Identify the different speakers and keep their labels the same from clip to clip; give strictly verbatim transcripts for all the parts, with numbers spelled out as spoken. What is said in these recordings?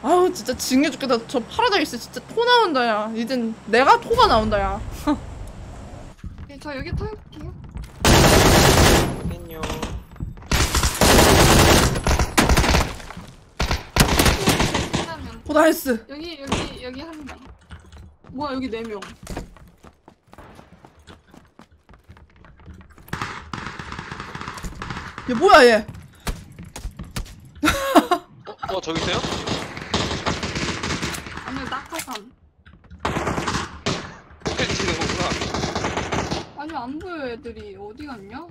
Speaker 1: 아우 진짜 징해 죽겠다. 저 파라다이스 진짜 토 나온다 야. 이젠 내가 토가 나온다 야.
Speaker 2: 네, 저 여기 타볼게요.
Speaker 3: 안녕.
Speaker 1: 오 나이스.
Speaker 2: 여기 여기 여기 한 명. 뭐야 여기 네 명.
Speaker 1: 얘 뭐야 얘.
Speaker 3: 어, 어 저기 있어요?
Speaker 2: 아니 낙하산.
Speaker 3: 로켓 치는 거구나.
Speaker 2: 아니 안 보여 애들이 어디 갔냐?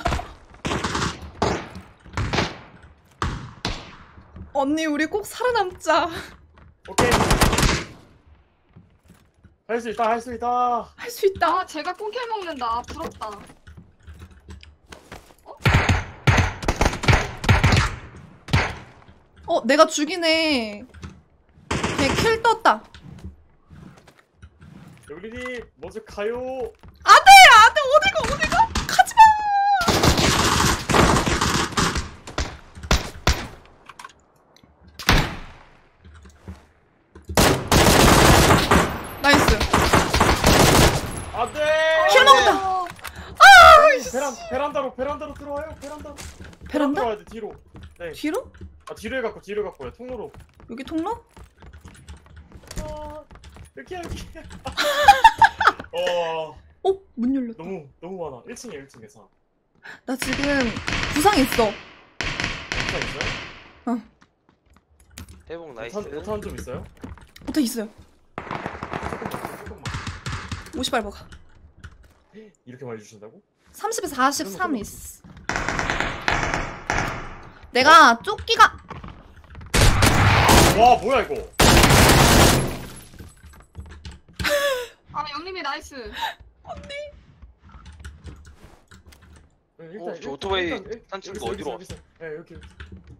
Speaker 1: 언니 우리 꼭 살아남자.
Speaker 4: 오케이. 할 수 있다, 할 수 있다.
Speaker 1: 할 수 있다.
Speaker 2: 아 제가 꽁킬 먹는다. 아, 부럽다.
Speaker 1: 어 내가 죽이네. 걔 킬 떴다.
Speaker 4: 여기니 먼저 가요.
Speaker 1: 안돼 안돼 어디가 어디가 가지마. 나이스.
Speaker 4: 안돼.
Speaker 1: 킬 먹었다.
Speaker 2: 어,
Speaker 4: 베란 베란다로 베란다로 들어와요. 베란다로.
Speaker 1: 베란다?
Speaker 4: 들어와야 돼 뒤로. 네.
Speaker 1: 뒤로?
Speaker 4: 아 뒤로 해갖고 뒤로 해갖고요. 통로로.
Speaker 1: 여기 통로?
Speaker 4: 아, 여기 여기. 어
Speaker 1: 어? 문 열렸다.
Speaker 4: 너무 너무 많아. 일 층에 일 층에서.
Speaker 1: 나 지금 부상 있어.
Speaker 4: 오타 있어요?
Speaker 3: 대복 나이스.
Speaker 4: 오타 오타는 좀 있어요?
Speaker 1: 어떻게 있어요?
Speaker 4: 조금만 조금만.
Speaker 1: 오십 알버가.
Speaker 4: 이렇게 많이 주신다고?
Speaker 1: 삼십에서 사십삼 있어. 내가 조끼가
Speaker 4: 와 뭐야 이거?
Speaker 2: 아 영림이 나이스.
Speaker 4: 네,
Speaker 3: 어, 저 오토바이
Speaker 4: 일단,
Speaker 3: 딴 친구
Speaker 4: 여기
Speaker 3: 어디로
Speaker 4: 여기 있어, 여기 있어. 네 여기. 여기.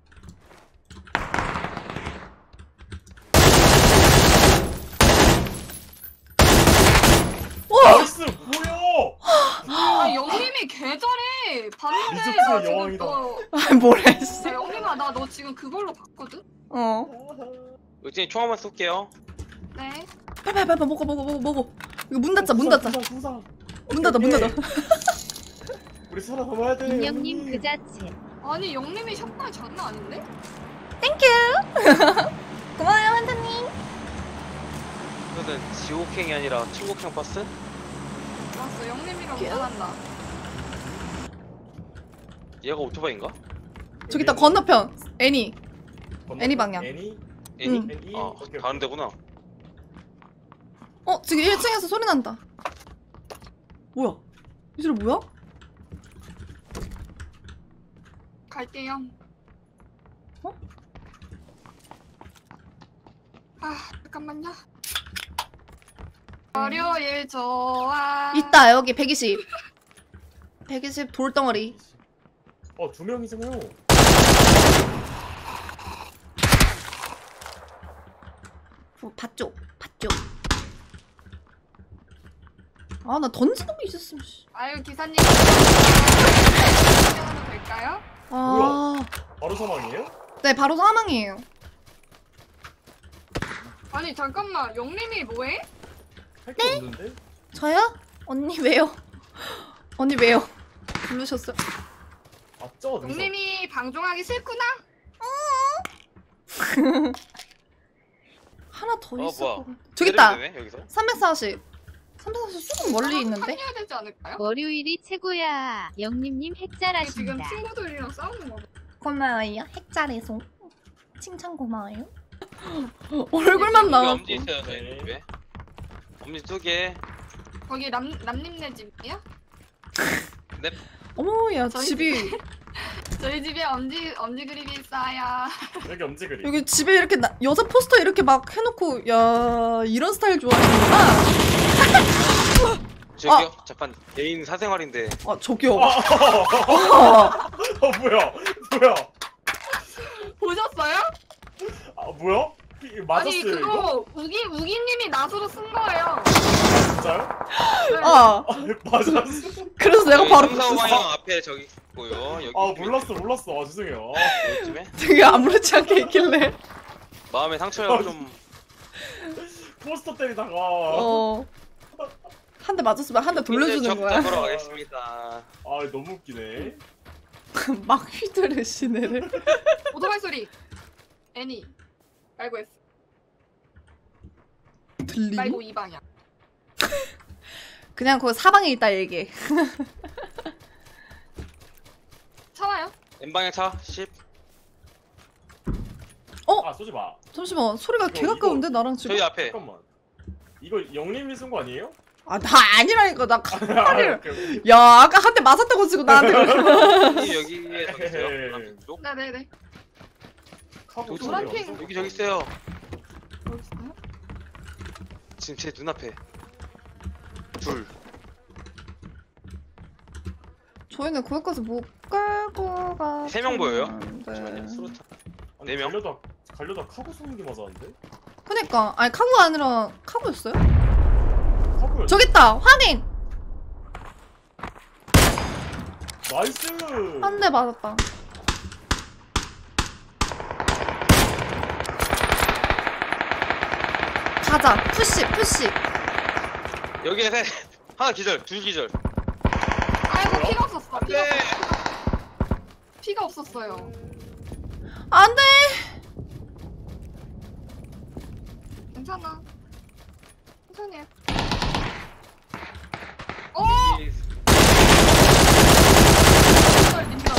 Speaker 4: 나이스 뭐야?
Speaker 2: 아 영림이 개잘해. 봤는데
Speaker 4: 리조트의
Speaker 2: 나 지금
Speaker 4: 여왕이다.
Speaker 2: 너.
Speaker 1: 아 뭐래 씨.
Speaker 2: 야, 영림아 나 너 지금 그걸로 봤거든?
Speaker 1: 어.
Speaker 3: 의진이 총 한번 쏠게요.
Speaker 2: 네.
Speaker 1: 빨리 빨리 먹어 먹어 먹어 먹어. 이거 문 닫자 문 닫자.
Speaker 4: 부상, 부상.
Speaker 1: 문 닫아 문 닫아.
Speaker 4: 우리 살아남아야 돼.
Speaker 5: 운영님 그 자체.
Speaker 2: 아니 영림이 샷발 장난 아닌데?
Speaker 1: 고마워요 환타님.
Speaker 3: 이거는 지옥행이 아니라 천국행 버스?
Speaker 2: 좋았어 영림이랑
Speaker 1: 귀여워.
Speaker 2: 운전한다.
Speaker 3: 얘가 오토바이인가?
Speaker 1: 저기 있다 건너편. 애니.
Speaker 4: 건너편?
Speaker 1: 애니 방향.
Speaker 4: 애니?
Speaker 3: 애니?
Speaker 1: 응.
Speaker 4: 애니?
Speaker 3: 아
Speaker 4: 오케이,
Speaker 3: 다른 데구나.
Speaker 1: 어 지금 일 층에서 소리 난다. 뭐야? 이 소리 뭐야?
Speaker 2: 갈게요.
Speaker 1: 어?
Speaker 2: 아 잠깐만요. 월요일 좋아.
Speaker 1: 있다 여기 백이십. 백이십 돌덩어리.
Speaker 4: 어, 두 명이잖아요.
Speaker 1: 어, 밭쪽 밭쪽. 아 나 던지는 거 있었으면. 씨.
Speaker 2: 아유 기사님. 하도 될까요?
Speaker 1: 아.
Speaker 4: 바로 사망이에요?
Speaker 1: 네 바로 사망이에요.
Speaker 2: 아니 잠깐만 영림이 뭐해?
Speaker 4: 할 게 없는데?
Speaker 1: 저요? 언니 왜요? 언니 왜요? 부르셨어요?
Speaker 4: 아, 저 능선.
Speaker 2: 영림이 방종하기 싫구나?
Speaker 1: 하나 더
Speaker 3: 어,
Speaker 1: 있을
Speaker 3: 뭐야.
Speaker 1: 것 같아. 저기 있다.
Speaker 3: 되네, 여기서?
Speaker 1: 삼백사십. 삼백사십 조금 멀리 있는데?
Speaker 2: 합류해야 되지 않을까요?
Speaker 5: 월요일이 최고야. 영님님
Speaker 2: 지금
Speaker 5: 핵잘하신다.
Speaker 2: 친구들이랑 싸우는 거.
Speaker 1: 고마워요. 핵잘해서. 칭찬 고마워요. 얼굴만 나와.
Speaker 3: 엄지 있어요 저희 집에. 엄지 두 개.
Speaker 2: 거기 남 남님네 집이야?
Speaker 3: 넵.
Speaker 1: 어머 야
Speaker 2: 저희
Speaker 1: 집이
Speaker 2: 저희 집에 엄지 엄지 그림이 있어요.
Speaker 4: 여기 엄지 그림.
Speaker 1: 여기 집에 이렇게 나, 여자 포스터 이렇게 막 해놓고 야 이런 스타일 좋아하시는구나.
Speaker 3: 저기요. 잠깐 개인 사생활인데.
Speaker 1: 아 저기요.
Speaker 4: 어, 뭐야? 뭐야?
Speaker 2: 보셨어요?
Speaker 4: 아, 뭐야? 이- 맞았어요,
Speaker 2: 아니
Speaker 4: 이거?
Speaker 2: 그거 우기 우기님이 낫으로 쓴 거예요.
Speaker 4: 진짜요?
Speaker 2: 네.
Speaker 1: 아
Speaker 4: 아, 맞았어.
Speaker 1: 그래서 내가 바로
Speaker 3: 삼사오
Speaker 1: 봤어.
Speaker 3: 방향 앞에 저기 있고요. 여기
Speaker 4: 아, 몰랐어, 몰랐어. 아, 죄송해요. 아,
Speaker 3: 요즘에
Speaker 1: 되게 아무렇지 않게 있길래.
Speaker 3: 마음의 상처를 좀.
Speaker 4: 포스터 때리다가
Speaker 1: 어. 한 대 맞았으면 한 대 돌려주는 거야.
Speaker 3: 잡으러 가겠습니다.
Speaker 4: 아 너무 웃기네.
Speaker 1: 막 휘두르 시네를.
Speaker 2: 오토바이 소리. 애니. 말고 했어.
Speaker 1: 들리니?
Speaker 2: 말고 이 방향.
Speaker 1: 그냥 그 사방에 있다 얘기해.
Speaker 2: 차와요?
Speaker 3: N방향 차 십.
Speaker 4: 아 쏘지 마.
Speaker 1: 잠시만 소리가
Speaker 4: 이거,
Speaker 1: 개 가까운데 나랑 지금?
Speaker 3: 저희 앞에.
Speaker 4: 잠깐만. 이거 영림이 쓴 거 아니에요?
Speaker 1: 아 나 아니라니까 나 칼을.
Speaker 4: 오케이, 오케이.
Speaker 1: 야 아까 한 대 맞았다고 지금 나한테.
Speaker 3: 여기 여기에 저기 있어요. 노란핑 쪽.
Speaker 2: 네네네.
Speaker 4: 카고
Speaker 3: 여기
Speaker 2: 노란
Speaker 4: 소리가
Speaker 2: 핑.
Speaker 4: 없어.
Speaker 3: 여기 저기 있어요.
Speaker 2: 어디 있어요?
Speaker 3: 지금 제 눈앞에. 둘.
Speaker 1: 저희는 거기까지 못 갈거 가.
Speaker 3: 세명 보여요?
Speaker 1: 네.
Speaker 3: 잠시만요. 수로탄.
Speaker 4: 아니,
Speaker 3: 네 명?
Speaker 4: 갈려다 갈려다 카고 쏘는 게 맞았는데?
Speaker 1: 그니까 아니 카고가 아니라 카고였어요?
Speaker 4: 카고야.
Speaker 1: 저기 있다 확인.
Speaker 4: 나이스.
Speaker 1: 한 대 맞았다. 가자 푸시 푸시.
Speaker 3: 여기에 세. 하나 기절. 둘 기절.
Speaker 2: 아이고
Speaker 4: 뭐야?
Speaker 2: 피가 없었어. 피가,
Speaker 3: 네.
Speaker 2: 피가 없었어요.
Speaker 1: 안돼.
Speaker 2: 괜찮아. 천천히 해. 어! 민절 민절.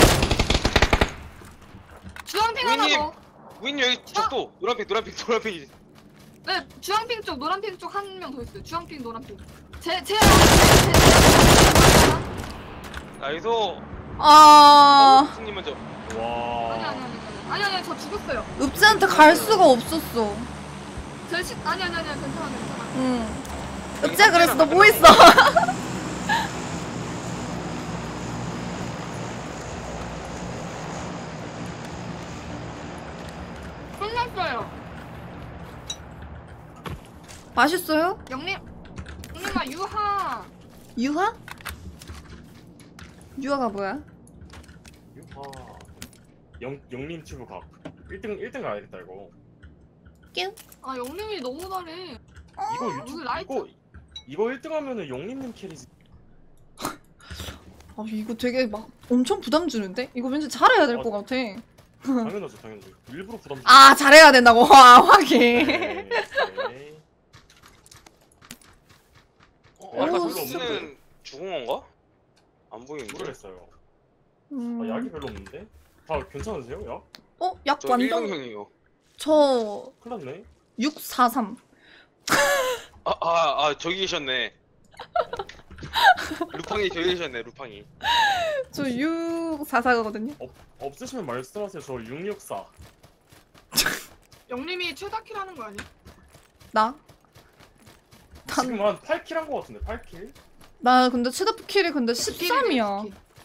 Speaker 2: 주황핑 하나
Speaker 3: 우이님.
Speaker 2: 더.
Speaker 3: 우인 여기 쪽도 노란핑 노란핑 노란핑.
Speaker 2: 네, 주황핑 쪽, 노란핑 쪽 한 명 더 있어요. 주황핑, 노란핑. 제, 제, 제, 제,
Speaker 3: 나이스.
Speaker 1: 아
Speaker 3: 승님 먼저.
Speaker 4: 와.
Speaker 2: 아니, 아니, 아니, 아니, 아니, 아니, 저 죽었어요.
Speaker 1: 읍지한테 갈 수가 없었어.
Speaker 2: 제 시, 아니, 아니, 아니, 괜찮아, 괜찮아.
Speaker 1: 응. 읍지야 그래서 너 뭐 했어?
Speaker 2: 끝났어요.
Speaker 1: 맛있어요?
Speaker 2: 영림, 영림아, 유하.
Speaker 1: 유하? 유하가 뭐야?
Speaker 4: 유하. 영 영림 튜브 각. 일 등 일 등 가야겠다 이거.
Speaker 1: 뀨?
Speaker 2: 아, 영림이 너무 잘해.
Speaker 4: 이거
Speaker 2: 여기
Speaker 4: 유튜브
Speaker 2: 라이트.
Speaker 4: 이거 이거 일 등 하면은 영림님 캐리지.
Speaker 1: 아 이거 되게 막 엄청 부담 주는데? 이거 왠지 잘해야 될
Speaker 4: 어.
Speaker 1: 것 같아.
Speaker 4: 당연하죠, 당연하죠. 일부러 부담. 주-
Speaker 1: 아 잘해야 된다고. 아 확인.
Speaker 4: 네, 네.
Speaker 3: 어, 아까
Speaker 1: 오,
Speaker 3: 소스는 죽은 건가? 안 보이는데.
Speaker 4: 모르겠어요.
Speaker 1: 음.
Speaker 4: 아, 약이 별로 없는데? 다 괜찮으세요? 약?
Speaker 1: 어? 약
Speaker 3: 저
Speaker 1: 완전.
Speaker 3: 일등형이요.
Speaker 1: 저
Speaker 4: 큰일 났네.
Speaker 1: 육사삼.
Speaker 3: 아, 아, 아, 저기 계셨네. 루팡이 저기 계셨네, 루팡이.
Speaker 1: 저 육사사거든요.
Speaker 4: 없으시면 말씀하세요. 저 육육사.
Speaker 2: 영림이 최다킬 하는 거 아니야?
Speaker 1: 나? 단-
Speaker 4: 지금 한 팔 킬 한 거 같은데, 팔 킬?
Speaker 1: 나 근데 최다프 킬이 근데 십삼이야.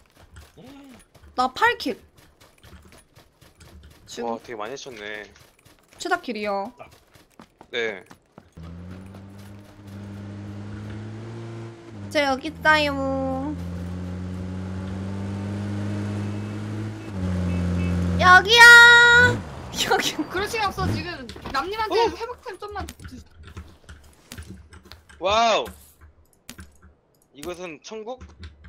Speaker 1: 나 팔 킬. 지금
Speaker 3: 와, 되게 많이 했었네.
Speaker 1: 최다 킬이요.
Speaker 3: 네.
Speaker 1: 저 여기 있어요. 여기야. 여기.
Speaker 2: 그럴 시간 없어, 지금. 남님한테
Speaker 3: 어?
Speaker 2: 회복템 좀만 주...
Speaker 3: 와우! 이것은 천국?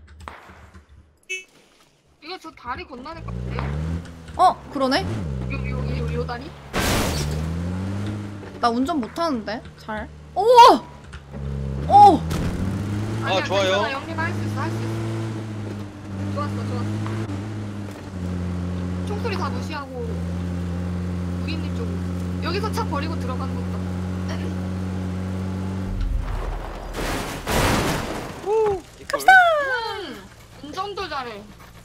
Speaker 2: 이거 저 다리 건너는 거 같아요?
Speaker 1: 어 그러네.
Speaker 2: 요, 요, 요, 요 다리?
Speaker 1: 나 운전 못하는데 잘. 오. 오.
Speaker 2: 아니야,
Speaker 3: 좋아요.
Speaker 2: 괜찮아, 영림 할 수 있어, 할 수 있어. 좋았어, 좋았어. 총소리 다 무시하고 우기님 쪽으로. 여기서 차 버리고 들어가는 것도.
Speaker 3: 갑시다!
Speaker 2: 음, 운전도 잘해.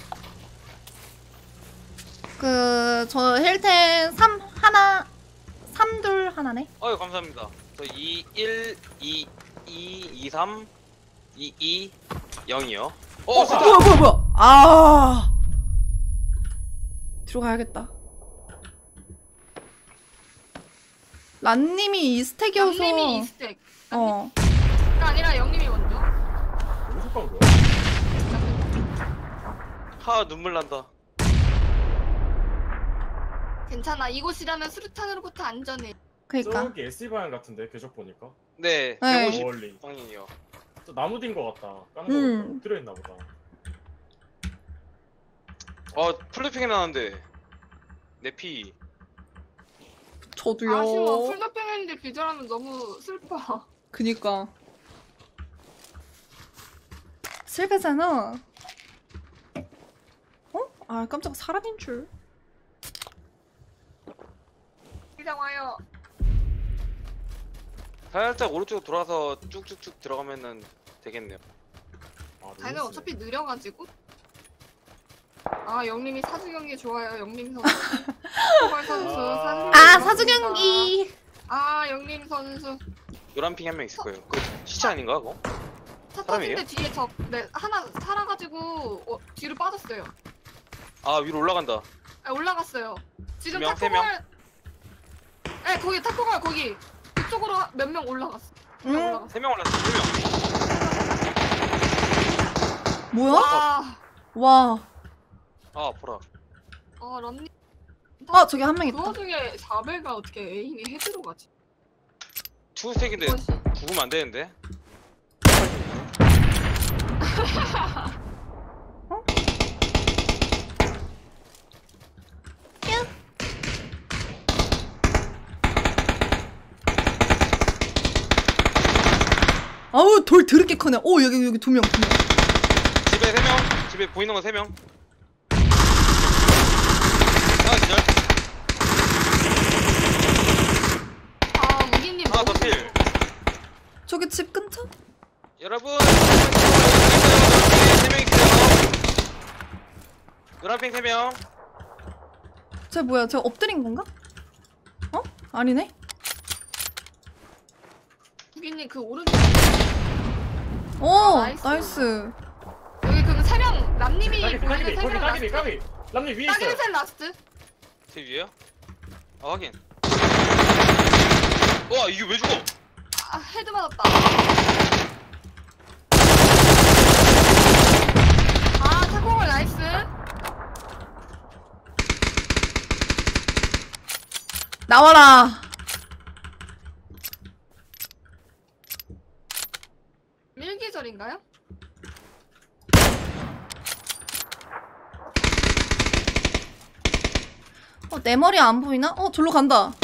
Speaker 1: 그 저 힐텐 삼 하나 삼 둘 하나네.
Speaker 3: 어유 감사합니다. 저 이, 일, 이, 이, 이, 삼, 이, 이, 영이요. 어,
Speaker 1: 어,
Speaker 3: 좋다!
Speaker 1: 뭐야 뭐야 뭐야. 아. 들어가야겠다. 란님이 이 스택이어서.
Speaker 2: 영림이 이 스택.
Speaker 1: 어.
Speaker 2: 가 아니라 영림이 먼저.
Speaker 4: 어디서 깐 거야?
Speaker 3: 하, 눈물 난다.
Speaker 2: 괜찮아. 이곳이라면 수류탄으로부터 안전해.
Speaker 1: 그니까.
Speaker 4: 저기 에스이 방향 같은데 궤적 보니까.
Speaker 3: 네,
Speaker 1: 네.
Speaker 3: 백오십
Speaker 4: 멀리.
Speaker 3: 방향이요.
Speaker 4: 저 나무 딘거 같다. 까는
Speaker 1: 음.
Speaker 4: 거 엎드려 있나 보다.
Speaker 3: 어, 플래핑이 나는데. 내피.
Speaker 1: 저도요.
Speaker 2: 아쉬워. 풀더핑했는데 기절하면 너무 슬퍼.
Speaker 1: 그니까. 슬프잖아. 어? 아 깜짝 사람인 줄.
Speaker 2: 이상 와요.
Speaker 3: 살짝 오른쪽으로 돌아서 쭉쭉쭉 들어가면은 되겠네요.
Speaker 4: 아,
Speaker 2: 자기는
Speaker 4: 너무
Speaker 2: 어차피 느려가지고. 아 영림이 사주 경기 좋아요. 영림 선수. 포괄 선수.
Speaker 4: 아.
Speaker 2: 사주 경기
Speaker 1: 아
Speaker 2: 좋았습니다.
Speaker 1: 사주 경기.
Speaker 2: 아 영림 선수.
Speaker 3: 노란 핑 한 명 있을 거예요. 그 시체 아닌가 그거?
Speaker 2: 차
Speaker 3: 사람이에요?
Speaker 2: 터진데 뒤에 적, 네 하나 살아가지고 어, 뒤로 빠졌어요.
Speaker 3: 아 위로 올라간다.
Speaker 2: 아, 올라갔어요. 지금
Speaker 3: 두 명, 세 명?
Speaker 2: 타코갈. 네 거기 타코갈 거기 그쪽으로 몇 명 올라갔어. 몇 명
Speaker 1: 응?
Speaker 2: 올라갔어.
Speaker 3: 세 명 올랐어. 세 명.
Speaker 1: 뭐야?
Speaker 2: 와.
Speaker 1: 와.
Speaker 3: 아 보라.
Speaker 2: 어 런닝.
Speaker 1: 아 저기 한 명
Speaker 2: 그
Speaker 1: 있다.
Speaker 2: 와중에 사벨가 어떻게 에임이 헤드로 가지?
Speaker 3: 투스택인데
Speaker 2: 이것이.
Speaker 3: 죽으면 안 되는데.
Speaker 1: 아우 돌 더럽게 크네. 오 여기 여기 두 명. 두 명.
Speaker 3: 집에 세 명. 집에 보이는 거 세 명. 하나 기절.
Speaker 2: 아 우기님
Speaker 3: 하나 더
Speaker 2: 너무
Speaker 3: 필.
Speaker 1: 저기 집 근처?
Speaker 3: 여러분. 세 명이 기절. 노란 핑 세 명.
Speaker 1: 쟤 뭐야? 쟤 엎드린 건가? 어? 아니네.
Speaker 2: 우기님 그 오른쪽
Speaker 1: 오
Speaker 2: 아, 나이스.
Speaker 1: 나이스.
Speaker 2: 여기 그럼 세명 남님이
Speaker 4: 까비
Speaker 2: 보이는
Speaker 4: 까비
Speaker 2: 세
Speaker 4: 거기
Speaker 2: 명
Speaker 4: 까비
Speaker 2: 라스트.
Speaker 4: 까비. 남님 위에 있어요.
Speaker 2: 따기는 셋 라스트.
Speaker 3: 제 위에요? 아 확인. 와 이게 왜 죽어?
Speaker 2: 아 헤드 맞았다. 아 타코갈 나이스.
Speaker 1: 나와라.
Speaker 2: 일기절인가요?
Speaker 1: 어, 내 머리 안 보이나? 어, 절로 간다.